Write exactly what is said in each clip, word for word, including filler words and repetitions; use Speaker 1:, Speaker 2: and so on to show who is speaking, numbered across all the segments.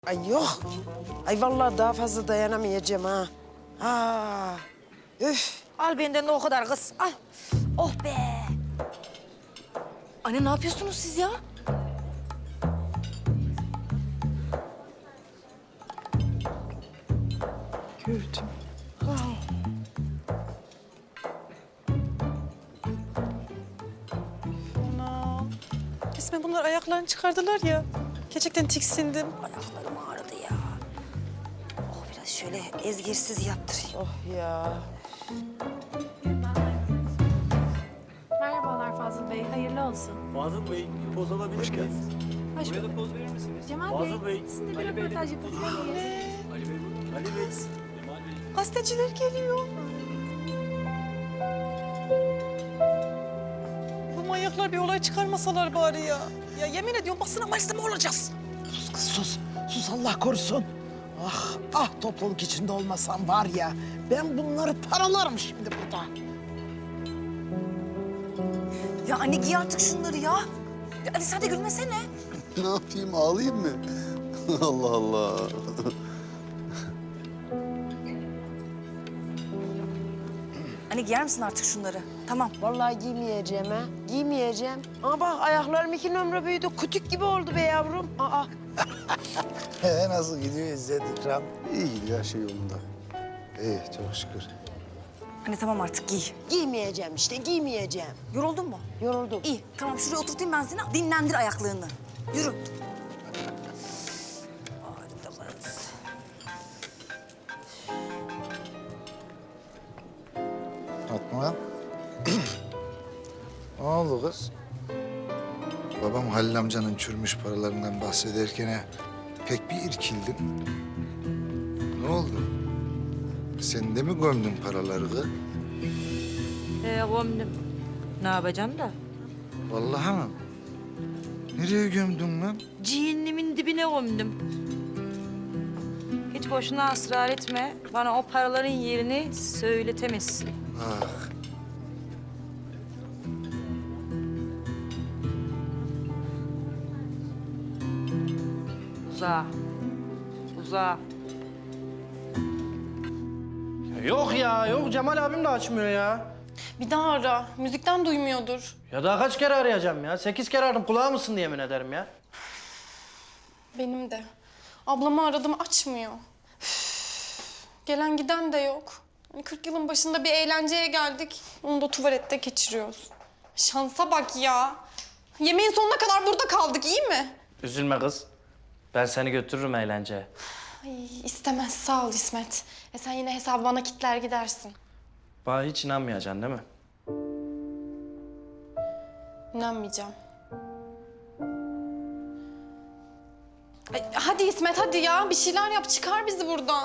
Speaker 1: Ay yok. Ay vallahi daha fazla dayanamayacağım ha. Aa, üf.
Speaker 2: Al benden de o kadar kız. Al. Oh be. Anne ne yapıyorsunuz siz ya?
Speaker 1: Gördüm.
Speaker 3: Ana. Resmen bunlar ayaklarını çıkardılar ya. Gerçekten tiksindim.
Speaker 2: Ayaklarım ağrıdı ya. Oh biraz şöyle ezgirsiz yaptırayım.
Speaker 1: Oh ya.
Speaker 4: Merhabalar Fazıl Bey, hayırlı olsun.
Speaker 5: Fazıl Bey, bir poz alabilir miyiz?
Speaker 4: Hoş
Speaker 5: Buraya da
Speaker 4: bulduk.
Speaker 5: poz verir misiniz?
Speaker 4: Cemal
Speaker 5: Fazıl
Speaker 4: Bey,
Speaker 5: Bey,
Speaker 4: sizinle bir
Speaker 5: Ali Bey'le
Speaker 4: röportaj
Speaker 5: bir
Speaker 4: yapabilir
Speaker 5: poz
Speaker 4: miyiz?
Speaker 5: Ali Bey, Ali Bey, Cemal Bey.
Speaker 3: Gazeteciler geliyor. Bu manyaklar bir olay çıkarmasalar bari ya. Ya yemin ediyorum basına malzeme olacağız.
Speaker 1: Sus kız sus. Sus Allah korusun. Ah ah topluluk içinde olmasam var ya. Ben bunları paralarım şimdi burada.
Speaker 2: Ya anne giy artık şunları ya. Ya Ali sen de gülmesene.
Speaker 6: Ne yapayım, ağlayayım mı? Allah Allah.
Speaker 2: Anne giyer misin artık şunları? Tamam.
Speaker 1: Vallahi giymeyeceğim ha. Giymeyeceğim. Ama bak ayaklarım iki numara büyüdü. Kutuk gibi oldu be yavrum. Aa.
Speaker 6: Ee, nasıl gidiyor İzzet İkram? İyi gidiyor, her şey yolunda. İyi, çok şükür.
Speaker 2: Anne tamam artık giy.
Speaker 1: Giymeyeceğim işte giymeyeceğim.
Speaker 2: Yoruldun mu?
Speaker 1: Yoruldum.
Speaker 2: İyi tamam şuraya oturtayım ben seni. Dinlendir ayaklarını. Yürü. Ağrıdı kız.
Speaker 6: Fatma. Ne oldu kız? Babam Halil amcanın çürümüş paralarından bahsederken pek bir irkildin. Ne oldu? Sen de mi gömdün paraları kız?
Speaker 7: Ee, gömdüm. Ne yapacaksın da?
Speaker 6: Vallahi mı? Nereye gömdün lan?
Speaker 7: Cehennemin dibine gömdüm. Hiç boşuna ısrar etme. Bana o paraların yerini söyletemezsin.
Speaker 6: Ah.
Speaker 7: Uzağa. Uzağa.
Speaker 8: Yok ya, yok. Cemal abim de açmıyor ya.
Speaker 4: Bir daha ara, müzikten duymuyordur.
Speaker 8: Ya daha kaç kere arayacağım ya? Sekiz kere aradım, kulağı mısın diye yemin ederim ya.
Speaker 4: Benim de. Ablamı aradım, açmıyor. Üf, gelen giden de yok. Hani kırk yılın başında bir eğlenceye geldik. Onu da tuvalette geçiriyoruz. Şansa bak ya. Yemeğin sonuna kadar burada kaldık, iyi mi?
Speaker 8: Üzülme kız. Ben seni götürürüm eğlenceye.
Speaker 4: Ay istemez, sağ ol İsmet. E sen yine hesabı bana kitler gidersin.
Speaker 8: Bana hiç inanmayacaksın değil mi?
Speaker 4: İnanmayacağım. Ay, hadi İsmet, hadi ya. Bir şeyler yap, çıkar bizi buradan.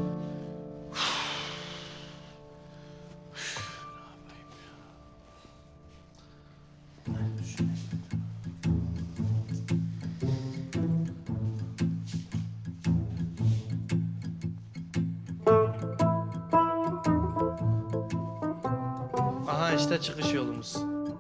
Speaker 8: Aha işte çıkış yolumuz.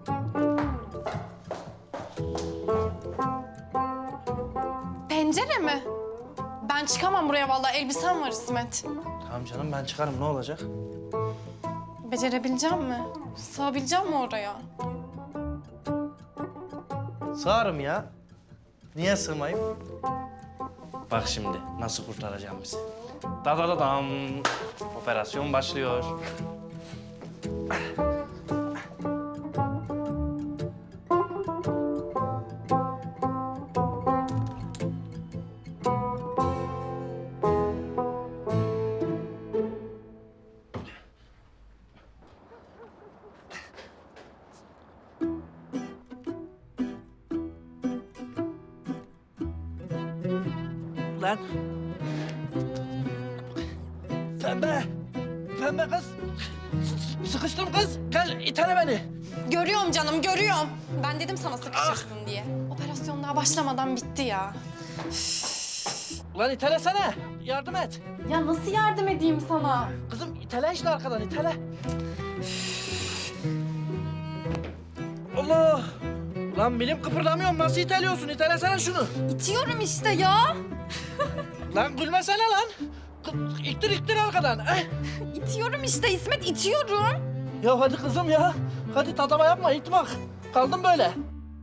Speaker 4: Pencere mi? Ben çıkamam buraya vallahi. Elbisem var İsmet.
Speaker 8: Tamam canım, ben çıkarım. Ne olacak?
Speaker 4: Becerebileceğim mi? Sığabileceğim mi oraya?
Speaker 8: Sığarım ya. Niye sığmayayım? Bak şimdi nasıl kurtaracağım bizi. Da da da dam. Operasyon başlıyor. Lan. Pembe. Pembe kız. S- Sıkıştım kız. Gel itele beni.
Speaker 4: Görüyorum canım, görüyorum. Ben dedim sana sıkışırsın diye. Operasyon daha başlamadan bitti ya.
Speaker 8: Ulan itelesene. Yardım et.
Speaker 4: Ya nasıl yardım edeyim sana?
Speaker 8: Kızım itele işte arkadan itele. Allah. Lan bilim kıpırdamıyorum. Nasıl iteliyorsun? İtelesene şunu.
Speaker 4: İtiyorum işte ya.
Speaker 8: Lan gülmesene lan. Kı- İttir ittir arkadan. Eh.
Speaker 4: İtiyorum işte İsmet, itiyorum.
Speaker 8: Ya hadi kızım ya. Hadi tatava yapma it bak. Kaldım böyle.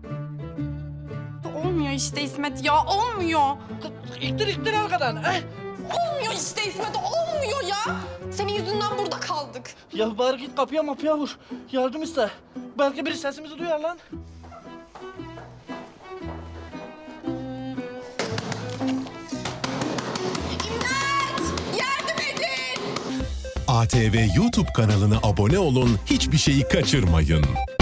Speaker 4: Olmuyor işte İsmet ya, olmuyor.
Speaker 8: Kı- İttir ittir arkadan. Eh.
Speaker 4: Olmuyor işte İsmet, olmuyor ya. Senin yüzünden burada kaldık.
Speaker 8: Ya bari git kapıya mapıya vur. Yardım iste. Belki biri sesimizi duyar lan.
Speaker 4: Yardım edin.
Speaker 9: A T V YouTube kanalına abone olun, hiçbir şeyi kaçırmayın.